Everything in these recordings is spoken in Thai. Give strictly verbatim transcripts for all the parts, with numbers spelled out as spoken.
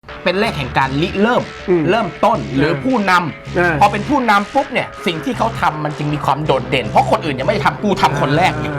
เป็นเลขแห่งการริเริ่มเริ่มต้นหรือผู้นำพอเป็นผู้นำปุ๊บเนี่ยสิ่งที่เขาทำมันจึงมีความโดดเด่นเพราะคนอื่นยังไม่ได้ทำกูทำคนแรกไง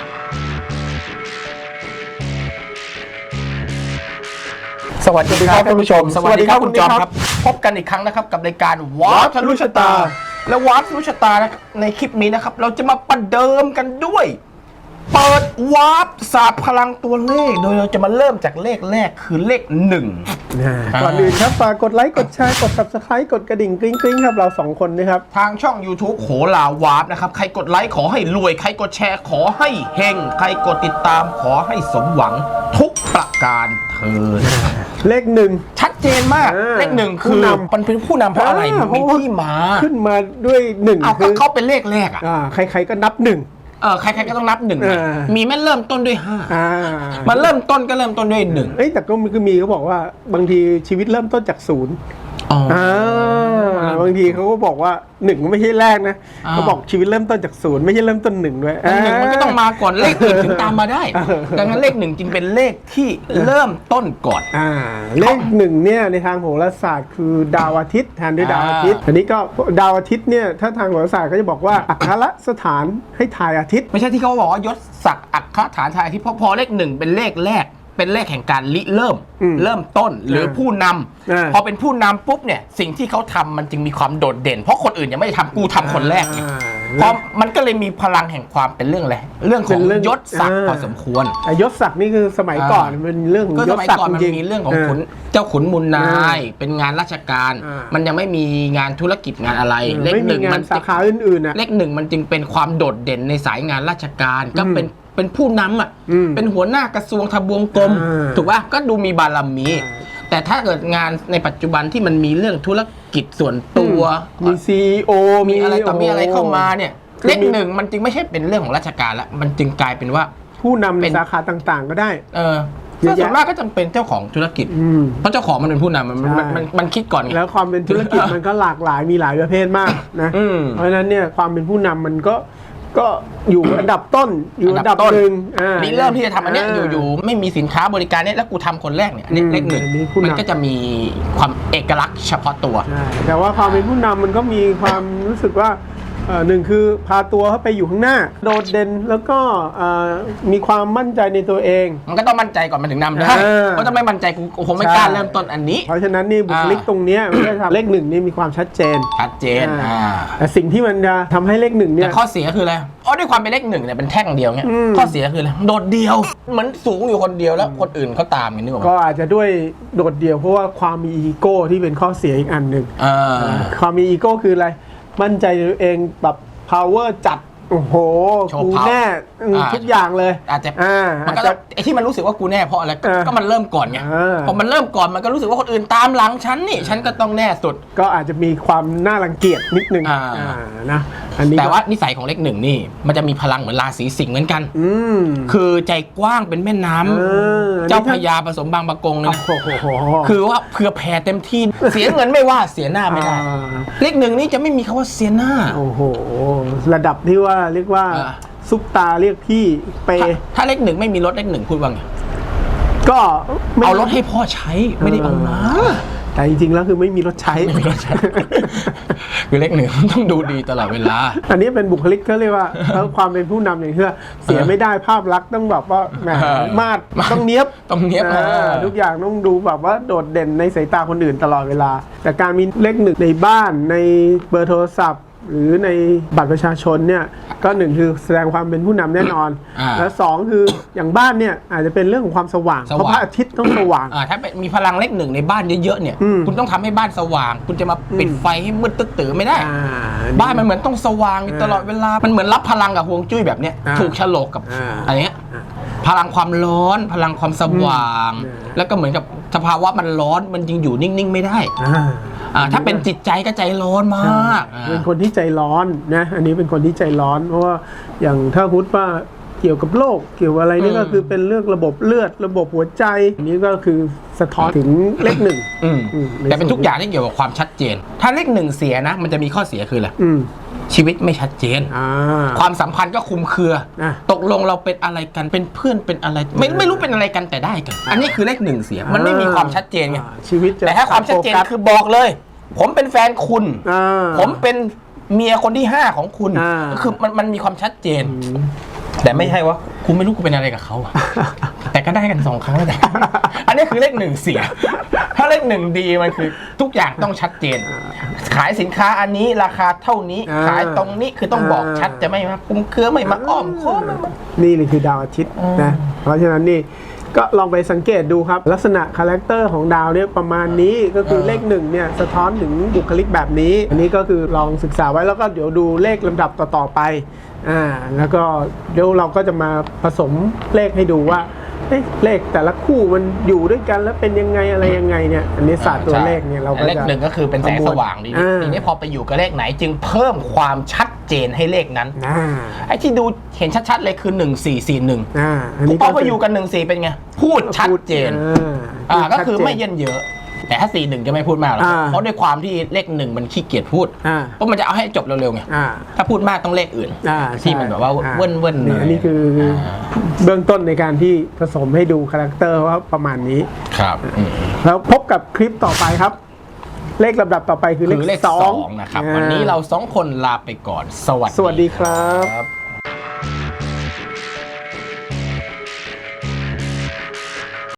สวัสดีครับท่านผู้ชมสวัสดีครับคุณจอมครับพบกันอีกครั้งนะครับกับรายการวาร์ปทะลุชะตาและวาร์ปทะลุชะตาในคลิปนี้นะครับเราจะมาประเดิมกันด้วยเปิดวาร์ปศาสตร์พลังตัวเลขโดยเราจะมาเริ่มจากเลขแรกคือเลขหนึ่งก่อนอื่นครับฝากกดไลค์กดแชร์กด ซับสไครบ์ กดกระดิ่งกริ๊งกริ๊งครับเราสองคนนะครับทางช่อง YouTube โหราวาร์ปนะครับใครกดไลค์ขอให้รวยใครกดแชร์ขอให้เฮงใครกดติดตามขอให้สมหวังทุกประการเถิดเลขหนึ่งชัดเจนมากเลขหนึ่งคือมันเป็นผู้นำเพราะอะไรมีที่มาขึ้นมาด้วยหนึ่งคือเขาเป็นเลขแรกอ่ะใครๆก็นับหนึ่งเออใครๆก็ต้องนับหนึ่งมีแม่เริ่มต้นด้วยห้ามันเริ่มต้นก็เริ่มต้นด้วยหนึ่งเอ้ยแต่ก็มีเขาบอกว่าบางทีชีวิตเริ่มต้นจากศูนย์อ่าบางทีเขาก็บอกว่าหนึ่งไม่ใช่แรกนะเขาบอกชีวิตเริ่มต้นจากศูนย์ไม่ใช่เริ่มต้นหนึ่งด้วยหนึ่งมันก็ต้องมาก่อนเลขอื่นถึงตามมาได้ดังนั้นเลขหนึ่งจึงเป็นเลขที่เริ่มต้นก่อนอ่าเลขหนึ่งเนี่ยในทางโหราศาสตร์คือดาวอาทิตย์แทนด้วยดาวอาทิตย์อันนี้ก็ดาวอาทิตย์เนี่ยถ้าทางโหราศาสตร์เขาจะบอกว่าอัคระสถานให้ทายอาทิตย์ไม่ใช่ที่เขาบอกว่ายศศักดิ์อัคระฐานทายอาทิตย์เพราะพอเลขหนึ่งเป็นเลขแรกเป็นเลขแห่งการริเริ่มเริ่มต้นหรือผู้นำพอเป็นผู้นำปุ๊บเนี่ยสิ่งที่เขาทำมันจึงมีความโดดเด่นเพราะคนอื่นยังไม่ได้ทำกูทำคนแรกไงเพราะมันก็เลยมีพลังแห่งความเป็นเรื่องอะไรเรื่องของยศศักดิ์พอสมควรยศศักดิ์นี่คือสมัยก่อนเป็นเรื่องยศศักดิ์มันมีเรื่องของขุนเจ้าขุนมูลนายเป็นงานราชการมันยังไม่มีงานธุรกิจงานอะไรเลขหนึ่งมันสาขาอื่นๆนะเลขหนึ่งมันจึงเป็นความโดดเด่นในสายงานราชการก็เป็นเป็นผู้นำอ่ะเป็นหัวหน้ากระทรวงทบวงกรมถูกป่ะก็ดูมีบารมีแต่ถ้าเกิดงานในปัจจุบันที่มันมีเรื่องธุรกิจส่วนตัวมี ซี อี โอมีอะไรต่อมีอะไรเข้ามาเนี่ยเลขหนึ่งมันจึงไม่ใช่เป็นเรื่องของราชการละมันจึงกลายเป็นว่าผู้นำในสาขาต่างๆก็ได้เออส่วนมากก็จำเป็นเจ้าของธุรกิจเพราะเจ้าของมันเป็นผู้นำมันมันมันคิดก่อนไงแล้วความเป็นธุรกิจมันก็หลากหลายมีหลายประเภทมากนะเพราะฉะนั้นเนี่ยความเป็นผู้นำมันก็ก็อยู่อันดับต้นอยู่อันดับหนึ่งนี่เริ่มที่จะทำอันนี้อยู่ๆไม่มีสินค้าบริการเนี่ยแล้วกูทำคนแรกเนี่ยอันนี้เลขหนึ่งมันก็จะมีความเอกลักษณ์เฉพาะตัวแต่ว่าความเป็นผู้นำมันก็มีความรู้สึกว่าหนึ่งคือพาตัวเขาไปอยู่ข้างหน้าโดดเด่นแล้วก็มีความมั่นใจในตัวเองมันก็ต้องมั่นใจก่อนมันถึงนำได้เพราะถ้าไม่มั่นใจกูคงไม่กล้าเริ่มต้นอันนี้เพราะฉะนั้นนี่บุคลิกตรงนี้มันจะทำเลขหนึ่งนี่มีความชัดเจนชัดเจนแต่สิ่งที่มันจะทำให้เลขหนึ่งเนี่ยข้อเสียคืออะไรอ๋อด้วยความเป็นเลขหนึ่งเนี่ยเป็นแท่งเดียวเนี่ยข้อเสียคืออะไรโดดเดียวเหมือนสูงอยู่คนเดียวแล้วคนอื่นเขาตามกันนี่หว่าก็อาจจะด้วยโดดเดียวเพราะว่าความมีอีโก้ที่เป็นข้อเสียอีกอันหนึ่งความมีอีโก้คืออะไรมั่นใจตัวเองแบบ power จัดโอ้โหกูแน่ทุกอย่างเลยอาจจะมันก็ไอ้ที่มันรู้สึกว่ากูแน่เพราะอะไรก็มันเริ่มก่อนไงพอมันเริ่มก่อนมันก็รู้สึกว่าคนอื่นตามหลังฉันนี่ฉันก็ต้องแน่สุดก็อาจจะมีความน่ารังเกียจนิดนึงนะอันนี้แต่ว่านิสัยของเลขหนึ่งนี่มันจะมีพลังเหมือนราศีสิงห์เหมือนกันคือใจกว้างเป็นแม่น้ำเจ้าพญาผสมบางปะกงเลยคือว่าเผื่อแผ่เต็มที่เสียเงินไม่ว่าเสียหน้าไม่ได้เลขหนึ่งนี่จะไม่มีคำว่าเสียหน้าโอ้โหระดับที่ว่าเรียกว่าซุปตาเรียกพี่เปถ้าเลขหนึ่งไม่มีรถเลขหนึ่งพูดว่าไงก็เอารถให้พ่อใช้ไม่ได้เอามาแต่จริงๆแล้วคือไม่มีรถใช้คือเลขหนึ่งต้องดูดีตลอดเวลาอันนี้เป็นบุคลิกเขาเรียกว่าแล้วความเป็นผู้นำอย่างที่เสียไม่ได้ภาพลักษณ์ต้องแบบว่าแหมมาดต้องเนี้ยบต้องเนี้ยบทุกอย่างต้องดูแบบว่าโดดเด่นในสายตาคนอื่นตลอดเวลาแต่การมีเลขหนึ่งในบ้านในเบอร์โทรศัพท์หรือในบัตรประชาชนเนี่ยก็หนึ่งคือแสดงความเป็นผู้นำแน่นอนและสองคืออย่างบ้านเนี่ยอาจจะเป็นเรื่องของความสว่างเพราะพระอาทิตย์ต้องสว่างถ้ามีพลังเลขหนึ่งในบ้านเยอะๆเนี่ยคุณต้องทำให้บ้านสว่างคุณจะมาปิดไฟให้มืดตึ๊ดตื่นไม่ได้บ้านมันเหมือนต้องสว่างตลอดเวลามันเหมือนรับพลังกับฮวงจุ้ยแบบเนี้ยถูกฉลกกับอะไรเงี้ยพลังความร้อนพลังความสว่างแล้วก็เหมือนกับสภาวะมันร้อนมันยังอยู่นิ่งๆไม่ได้ถ้าเป็นจิตใจก็ใจร้อนมากเป็นคนที่ใจร้อนนะอันนี้เป็นคนที่ใจร้อนเพราะว่าอย่างถ้าพูดว่าเกี่ยวกับโรคเกี่ยวกับอะไรนี่ก็คือเป็นเรื่องระบบเลือดระบบหัวใจอันนี้ก็คือสะท้อนถึงเลขหนึ่งอืมแต่เป็นทุกอย่างที่เกี่ยวกับความชัดเจน ถ้าเลขหนึ่งเสียนะ มันจะมีข้อเสียคืออะไรชีวิตไม่ชัดเจนความสัมพันธ์ก็คลุมเครือตกลงเราเป็นอะไรกันเป็นเพื่อนเป็นอะไรไม่ไม่รู้เป็นอะไรกันแต่ได้กัน อันนี้คือเลขหนึ่งเสียมันไม่มีความชัดเจนไงชีวิตแต่ถ้าความชัดเจนคือบอกเลย ผมเป็นแฟนคุณผมเป็นเมียคนที่ห้าของคุณก็คือมันมันมีความชัดเจนแต่ไม่ใช่ว่าคุณไม่รู้กูเป็นอะไรกับเขาแต่ก็ได้กันสองครั้งแต่อันนี้คือเลขหนึ่งเสียถ้าเลขหนึ่งดีมันคือทุกอย่างต้องชัดเจนขายสินค้าอันนี้ราคาเท่านี้ขายตรงนี้คือต้องบอกชัดจะไม่มาคุมเครือไม่มาอ้อมค้อมนี่เลยคือดาวอาทิตย์นะเพราะฉะนั้นนี่ก็ลองไปสังเกตดูครับลักษณะคาแรคเตอร์ของดาวเนี่ยประมาณนี้ก็คือเลขหนึ่งเนี่ยสะท้อนถึงบุคลิกแบบนี้อันนี้ก็คือลองศึกษาไว้แล้วก็เดี๋ยวดูเลขลำดับต่อๆไปอ่าแล้วก็เดี๋ยวเราก็จะมาผสมเลขให้ดูว่าเลขแต่ละคู่มันอยู่ด้วยกันแล้วเป็นยังไงอะไรยังไงเนี่ยอันนี้ศาสตร์ตัวเลขเนี่ยเราก็จะเลขหนึ่งก็คือเป็นแสงสว่างดีทีนี้พอไปอยู่กับเลขไหนจึงเพิ่มความชัดเจนให้เลขนั้นไอ้ที่ดูเห็นชัดๆเลยคือหนึ่งสี่สี่หนึ่งพอไปอยู่กันหนึ่งสี่เป็นไงพูดชัดเจนอ่าก็คือไม่เยินเยอะแต่ถ้าสี่หนึ่งจะไม่พูดมากหรอกเพราะด้วยความที่เลขหนึ่งมันขี้เกียจพูดเพราะมันจะเอาให้จบเร็วๆไงถ้าพูดมากต้องเลขอื่นที่มันแบบว่าเว้นเว้นอันนี้คือเบื้องต้นในการที่ผสมให้ดูคาแรคเตอร์ว่าประมาณนี้ครับแล้วพบกับคลิปต่อไปครับเลขลำดับต่อไปคือเลขสองนะครับวันนี้เราสองคนลาไปก่อนสวัสดีสวัสดีครับ